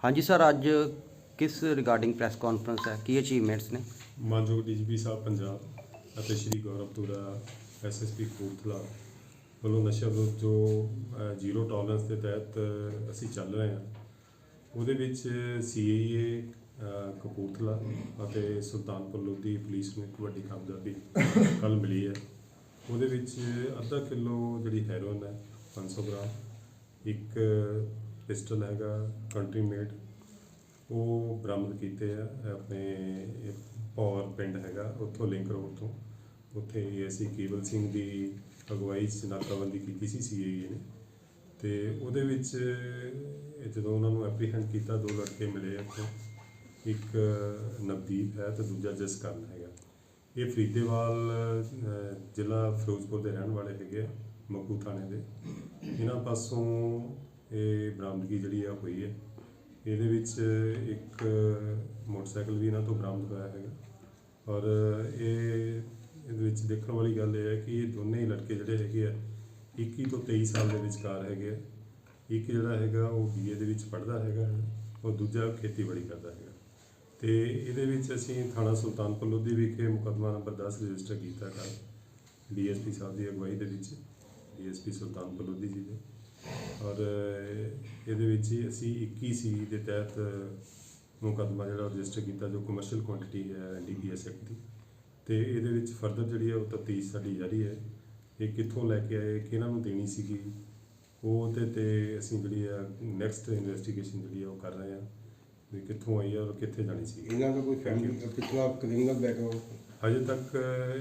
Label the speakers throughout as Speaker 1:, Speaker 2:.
Speaker 1: हाँ जी सर, ਅੱਜ ਕਿਸ ਰਿਗਾਰਡਿੰਗ ਪ੍ਰੈਸ ਕਾਨਫਰੰਸ ਹੈ, ਕੀ ਅਚੀਵਮੈਂਟਸ ਨੇ?
Speaker 2: ਮਾਨਯੋਗ ਡੀਜੀਪੀ ਸਾਹਿਬ ਪੰਜਾਬ ਅਤੇ ਸ਼੍ਰੀ ਗੌਰਵ ਤੁਰਾ ਐਸਐਸਪੀ ਕਪੂਰਥਲਾ ਵੱਲੋਂ ਨਸ਼ਾ ਵਿਰੁੱਧ ਜੋ ਜ਼ੀਰੋ ਟੋਲਰੈਂਸ ਦੇ ਤਹਿਤ ਅਸੀਂ ਚੱਲ ਰਹੇ ਹਾਂ, ਉਹਦੇ ਵਿੱਚ ਸੀਏਏ ਕਪੂਰਥਲਾ ਅਤੇ ਸੁਲਤਾਨਪੁਰ ਲੋਧੀ ਪੁਲਿਸ ਨੂੰ ਇੱਕ ਵੱਡੀ ਕਾਮਯਾਬੀ ਕੱਲ੍ਹ ਮਿਲੀ ਹੈ। ਉਹਦੇ ਵਿੱਚ ਅੱਧਾ ਕਿਲੋ ਜਿਹੜੀ ਹੈਰੋਇਨ ਹੈ 500 ਗ੍ਰਾਮ, ਇੱਕ ਪਿਸਟਲ ਹੈਗਾ ਕੰਟਰੀ ਮੇਡ, ਉਹ ਬਰਾਮਦ ਕੀਤੇ ਆ ਆਪਣੇ ਪੌਰ ਪਿੰਡ ਹੈਗਾ ਉੱਥੋਂ ਲਿੰਕ ਰੋਡ ਤੋਂ। ਉੱਥੇ ਏਐਸਆਈ ਕੇਵਲ ਸਿੰਘ ਦੀ ਅਗਵਾਈ 'ਚ ਨਾਕਾਬੰਦੀ ਕੀਤੀ ਸੀ ਸੀਏਏ ਨੇ, ਅਤੇ ਉਹਦੇ ਵਿੱਚ ਜਦੋਂ ਉਹਨਾਂ ਨੂੰ ਐਪਰੀਹੈਂਡ ਕੀਤਾ, ਦੋ ਲੜਕੇ ਮਿਲੇ ਉੱਥੋਂ, ਇੱਕ ਨਵਦੀਪ ਹੈ ਅਤੇ ਦੂਜਾ ਜਸਕਰਨ ਹੈਗਾ। ਇਹ ਫਰੀਦੇਵਾਲ ਜ਼ਿਲ੍ਹਾ ਫਿਰੋਜ਼ਪੁਰ ਦੇ ਰਹਿਣ ਵਾਲੇ ਹੈਗੇ ਆ, ਮੱਕੂ ਥਾਣੇ ਦੇ। ਇਹਨਾਂ ਪਾਸੋਂ ਇਹ ਬਰਾਮਦਗੀ ਜਿਹੜੀ ਆ ਹੋਈ ਹੈ। ਇਹਦੇ ਵਿੱਚ ਇੱਕ ਮੋਟਰਸਾਈਕਲ ਵੀ ਇਹਨਾਂ ਤੋਂ ਬਰਾਮਦ ਹੋਇਆ ਹੈਗਾ, ਔਰ ਇਹਦੇ ਵਿੱਚ ਦੇਖਣ ਵਾਲੀ ਗੱਲ ਇਹ ਹੈ ਕਿ ਇਹ ਦੋਨੇ ਹੀ ਲੜਕੇ ਜਿਹੜੇ ਹੈਗੇ ਆ 21 ਤੋਂ 23 ਸਾਲ ਦੇ ਵਿਚਕਾਰ ਹੈਗੇ ਆ। ਇੱਕ ਜਿਹੜਾ ਹੈਗਾ ਉਹ BA ਦੇ ਵਿੱਚ ਪੜ੍ਹਦਾ ਹੈਗਾ, ਔਰ ਦੂਜਾ ਖੇਤੀਬਾੜੀ ਕਰਦਾ ਹੈਗਾ। ਅਤੇ ਇਹਦੇ ਵਿੱਚ ਅਸੀਂ ਥਾਣਾ ਸੁਲਤਾਨਪੁਰ ਲੋਧੀ ਵਿਖੇ ਮੁਕੱਦਮਾ ਨੰਬਰ 10 ਰਜਿਸਟਰ ਕੀਤਾ ਕੱਲ੍ਹ DSP ਸਾਹਿਬ ਦੀ ਅਗਵਾਈ ਦੇ ਵਿੱਚ, DSP ਸੁਲਤਾਨਪੁਰ ਲੋਧੀ ਜੀ ਦੇ। ਔਰ ਇਹਦੇ ਵਿੱਚ ਹੀ ਅਸੀਂ 21C ਦੇ ਤਹਿਤ ਮੁਕੱਦਮਾ ਜਿਹੜਾ ਰਜਿਸਟਰ ਕੀਤਾ, ਜੋ ਕਮਰਸ਼ੀਅਲ ਕੁਆਂਟੀਟੀ ਹੈ NDPS ਐਕਟ ਦੀ। ਅਤੇ ਇਹਦੇ ਵਿੱਚ ਫਰਦਰ ਜਿਹੜੀ ਹੈ ਉਹ ਤਫਤੀਸ਼ ਸਾਡੀ ਜਾਰੀ ਹੈ। ਇਹ ਕਿੱਥੋਂ ਲੈ ਕੇ ਆਏ, ਕਿਹਨਾਂ ਨੂੰ ਦੇਣੀ ਸੀਗੀ, ਉਹ ਤੇ ਅਸੀਂ ਜਿਹੜੀ ਆ ਨੈਕਸਟ ਇਨਵੈਸਟੀਗੇਸ਼ਨ ਜਿਹੜੀ ਆ ਉਹ ਕਰ ਰਹੇ ਹਾਂ ਵੀ ਕਿੱਥੋਂ ਆਈ ਹੈ ਔਰ ਕਿੱਥੇ ਜਾਣੀ ਸੀ।
Speaker 3: ਇਹਨਾਂ ਦਾ ਕੋਈ ਫੈਮਿਲੀ ਪਿਛਲਾ ਕ੍ਰਿਮੀਨਲ ਬੈਕਗ੍ਰਾਉਂਡ
Speaker 2: ਹਜੇ ਤੱਕ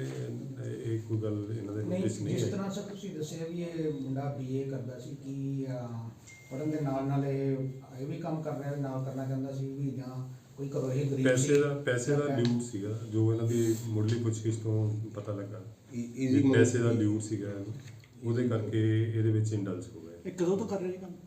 Speaker 2: ਇਹ ਕੋਈ ਗੱਲ ਇਹਨਾਂ ਦੇ ਨੋਟਿਸ ਨਹੀਂ
Speaker 4: ਜਿਸ
Speaker 2: ਆਈ।
Speaker 4: ਤਰ੍ਹਾਂ ਸਰ ਤੁਸੀਂ ਦੱਸਿਆ ਵੀ ਇਹ ਮੁੰਡਾ BA ਕਰਦਾ ਸੀ, ਕਿ ਪੜ੍ਹਨ ਦੇ ਨਾਲ ਇਹ ਵੀ ਕੰਮ ਕਰ ਰਿਹਾ, ਨਾਲ ਕਰਨਾ ਚਾਹੁੰਦਾ ਸੀ ਵੀ, ਜਾਂ ਕੋਈ ਘਰੋਂ ਇਹ ਗਰੀਬ
Speaker 2: ਪੈਸੇ ਦਾ ਲਿਊਟ ਸੀਗਾ, ਜੋ ਇਹਨਾਂ ਦੀ ਮੁੱਢਲੀ ਪੁੱਛਗਿੱਛ ਤੋਂ ਪਤਾ ਲੱਗਾ ਵੀ ਪੈਸੇ ਦਾ ਲਿਊਟ ਸੀਗਾ, ਉਹਦੇ ਕਰਕੇ ਇਹਦੇ ਵਿੱਚ ਇੰਡਲਸ ਹੋ ਗਏ।
Speaker 5: ਇਹ ਕਦੋਂ ਤੋਂ ਕਰ ਰਹੇ ਕੰਮ?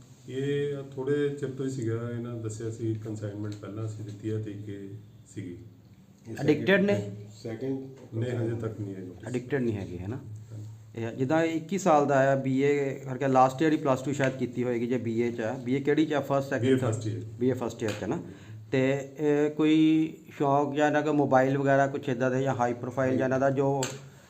Speaker 2: ਇਹ ਥੋੜੇ ਚਿਰ ਤੋਂ ਹੀ ਸੀਗਾ। ਇਹਨਾਂ ਦੱਸਿਆ ਸੀ ਕੰਸਾਈਨਮੈਂਟ ਪਹਿਲਾਂ ਅਸੀਂ ਦਿੱਤੀ ਹੈ, ਤੇ ਕਿ ਸੀਗੀ।
Speaker 1: ਐਡਿਕਟਡ ਨੇ?
Speaker 3: ਸੈਕਿੰਡ
Speaker 2: ਨਹੀਂ, ਹਜੇ ਤੱਕ ਨਹੀਂ ਹੈ।
Speaker 1: ਐਡਿਕਟਡ ਨਹੀਂ ਹੈਗੇ, ਹੈ ਨਾ? ਇਹ ਜਿੱਦਾਂ 21 ਸਾਲ ਦਾ ਆ, BA ਕਰਕੇ ਲਾਸਟ ਈਅਰ ਹੀ +2 ਸ਼ਾਇਦ ਕੀਤੀ ਹੋਏਗੀ, ਜੇ BA 'ਚ ਆ। BA ਕਿਹੜੀ 'ਚ ਆ? First second BA first year 'ਚ ਨਾ? ਅਤੇ ਕੋਈ ਸ਼ੌਂਕ ਜਾਂ ਇਹਨਾਂ ਦਾ ਮੋਬਾਈਲ ਵਗੈਰਾ ਕੁਛ ਇੱਦਾਂ ਦੇ, ਜਾਂ ਹਾਈ ਪ੍ਰੋਫਾਈਲ, ਜਾਂ ਇਹਨਾਂ ਦਾ ਜੋ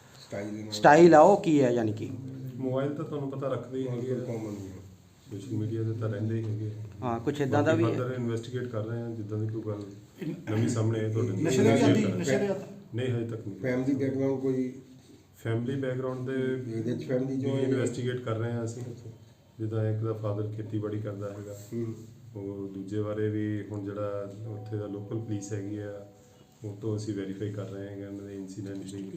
Speaker 1: ਸਟਾਈਲ ਆ ਉਹ ਕੀ ਹੈ? ਯਾਨੀ ਕਿ
Speaker 2: ਮੋਬਾਈਲ ਤਾਂ ਤੁਹਾਨੂੰ ਪਤਾ ਰੱਖਦੇ ਹੀ ਹੈਗੇ, ਸੋਸ਼ਲ ਮੀਡੀਆ 'ਤੇ ਤਾਂ ਰਹਿੰਦੇ ਹੀ ਹੈਗੇ।
Speaker 1: ਹਾਂ, ਕੁਛ ਇੱਦਾਂ ਦਾ ਵੀ ਹੈ।
Speaker 2: ਫਰਦਰ ਇਨਵੈਸਟੀਗੇਟ ਕਰ ਰਹੇ ਹਾਂ, ਜਿੱਦਾਂ ਦੀ ਕੋਈ ਗੱਲ ਨਵੀਂ ਸਾਹਮਣੇ ਆਏ ਤੁਹਾਡੇ
Speaker 5: ਨਸ਼ੇ ਦੇ ਆਦੀ
Speaker 2: ਨਹੀਂ, ਹਜੇ ਤੱਕ ਨਹੀਂ।
Speaker 3: ਫੈਮਿਲੀ ਬੈਕਗ੍ਰਾਉਂਡ ਕੋਈ
Speaker 2: ਫੈਮਿਲੀ ਬੈਕਗ੍ਰਾਉਂਡ ਦੇ
Speaker 3: ਇਹਦੇ ਚ ਫੈਮਿਲੀ ਜੋ
Speaker 2: ਇਨਵੈਸਟੀਗੇਟ ਕਰ ਰਹੇ ਹਾਂ ਅਸੀਂ। ਜਿੱਦਾਂ ਇੱਕ ਦਾ ਫਾਦਰ ਖੇਤੀਬਾੜੀ ਕਰਦਾ ਹੈਗਾ, ਉਹ ਦੂਜੇ ਬਾਰੇ ਵੀ ਹੁਣ ਜਿਹੜਾ ਉੱਥੇ ਦਾ ਲੋਕਲ ਪੁਲਿਸ ਹੈਗੀ ਆ, ਉਹ ਤੋਂ ਅਸੀਂ ਵੈਰੀਫਾਈ ਕਰ ਰਹੇ ਹੈਗੇ ਇਹਨਾਂ ਦੇ ਇਨਸੀਡੈਂਟ ਲਈ,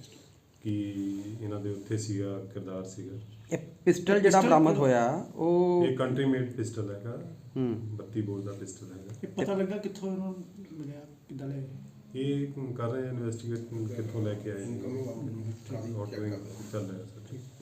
Speaker 2: ਕਿ ਇਹਨਾਂ ਦੇ ਉੱਥੇ ਸੀਗਾ, ਕਿਰਦਾਰ ਸੀਗਾ।
Speaker 1: ਇਹ ਪਿਸਟਲ ਜਿਹੜਾ ਬਰਾਮਦ ਹੋਇਆ ਉਹ
Speaker 2: ਇਹ ਕੰਟਰੀ ਮੇਡ ਪਿਸਟਲ ਹੈਗਾ, 32 ਬੋਰ ਦਾ ਪਿਸਟਲ ਹੈਗਾ।
Speaker 5: ਇਹ ਪਤਾ ਲੱਗਾ ਕਿੱਥੋਂ ਇਹਨਾਂ ਨੂੰ ਮਿਲਿਆ, ਕਿੱਦਾਂ ਲੈ ਗਏ?
Speaker 2: ਇਹ ਕਰ ਰਹੇ ਇਨਵੈਸਟੀਗੇਟ ਕਿੱਥੋਂ ਲੈ ਕੇ ਆਏ, ਚੱਲ ਰਿਹਾ ਸਰ। ਠੀਕ।